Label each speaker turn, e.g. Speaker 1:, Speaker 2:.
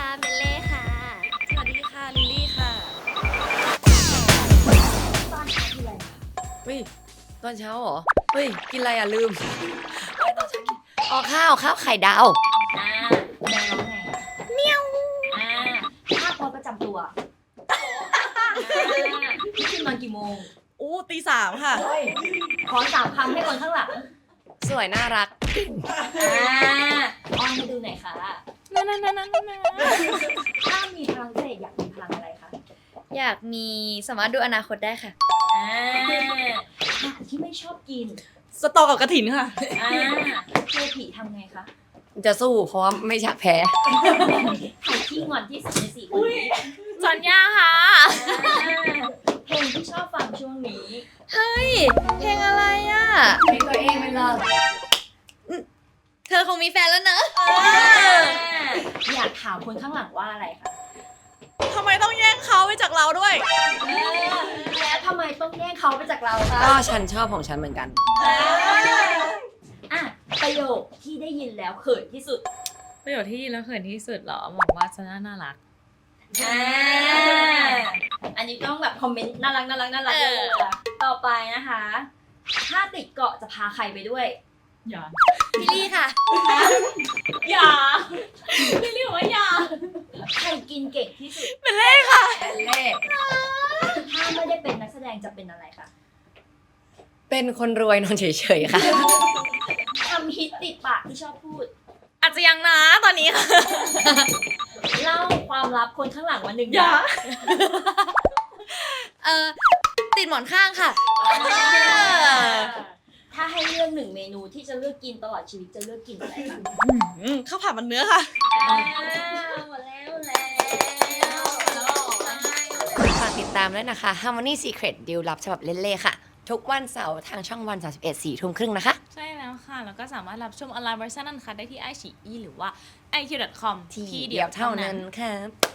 Speaker 1: เบลเล่ค่ะ
Speaker 2: สวัสดีค่ะลิลลี่ค่ะ
Speaker 1: ตอนเช้าคืออะไรคะ
Speaker 3: เฮ้ยตอนเช้าเหรอ เฮ้ย กินอะไรอ่ะลืมเฮ้ยตอนเช้ากินอ๋อข้าวไข่ดาว
Speaker 1: แมวร้องไงเมียวภาพพจน์ประจำตัวพี่ขึ้นนอนกี่โมง
Speaker 2: อู้ตี 3ค่ะ
Speaker 1: ขอ3 คำให้คนข้างหลัง
Speaker 3: สวยน่ารัก
Speaker 1: อ้อนให้ดูหน่อยค่ะ
Speaker 2: นั่น
Speaker 1: ถ้ามีพลังพิเศษอยากมีพลังอะไรคะ
Speaker 4: อยากมีสามารถดูอนาคตได้ค่ะ
Speaker 1: อาหารที่ไม่ชอบกิน
Speaker 2: สตอกับกระถินค่ะ
Speaker 1: เจอผีทำไงคะ
Speaker 3: จะสู้เพราะว่าไม่อยากแพ้
Speaker 1: ใครที่งอนที่สุดใน4 คนนี้
Speaker 4: สัญญาค่ะ
Speaker 1: เพลงที่ชอบฟังช่วงนี้
Speaker 4: เฮ้ย เพลงอะไรอ่ะ
Speaker 3: เพลงตัวเองเป็นเรา
Speaker 4: เธอคงมีแฟนแล้วเนอะ
Speaker 1: อยากถามคนข้างหลังว่าอะไรคะ
Speaker 2: ทำไมต้องแย่งเขาไปจากเราด้วย
Speaker 1: แล้วทำไมต้องแย่งเขาไปจากเราคะ
Speaker 3: ก็ฉันชอบของฉันเหมือนกัน
Speaker 1: อ่ะประโยคที่ได้ยินแล้วเขินที่สุด
Speaker 5: ประโยชน์ที่แล้วเขินที่สุดเหรอบอกว่าจะน่ารัก
Speaker 1: อันนี้ต้องแบบคอมเมนต์น่ารักเลยอะต่อไปนะคะ ถ้าติดเกาะจะพาใครไปด้วย
Speaker 2: อย่า
Speaker 4: พี่ลี่ค่ะ
Speaker 1: อย่าพี่เรียกว่าอย่าใครกินเก่งที่สุด
Speaker 3: แอนเล่
Speaker 1: ถ้าไม่ได้เป็นนักแสดงจะเป็นอะไรคะ
Speaker 3: เป็นคนรวยนอนเฉยๆค่ะ
Speaker 1: คำฮิตติดปากที่ชอบพูด
Speaker 5: อาจจะยังนะตอนนี้ค่ะ
Speaker 1: เล่าความลับคนข้างหลังวันหนึ่ง
Speaker 2: อย่า
Speaker 4: ติดหมอนข้างค่ะ
Speaker 1: ถ้าให้เลือก1 เมนูที่จะเลือกกินตลอดชีวิตจะเลือกกินอะไรคะ
Speaker 2: ข้าวผัดมันเนื้อค่ะ
Speaker 1: หมดแล้ว
Speaker 3: ฝากติดตามด้วยนะคะ Harmony Secret ดีลลับฉบับเล่ๆค่ะ ทุกวันเสาร์ทางช่องวัน 31 4 ทุ่มครึ่งนะคะ
Speaker 5: ใช่แล้วค่ะ แล้วก็สามารถรับชมออนไลน์เวอร์ชันนั้นค่ะได้ที่ iQIYI หรือว่า iq.com
Speaker 3: ที่เดียวเท่านั้นค่ะ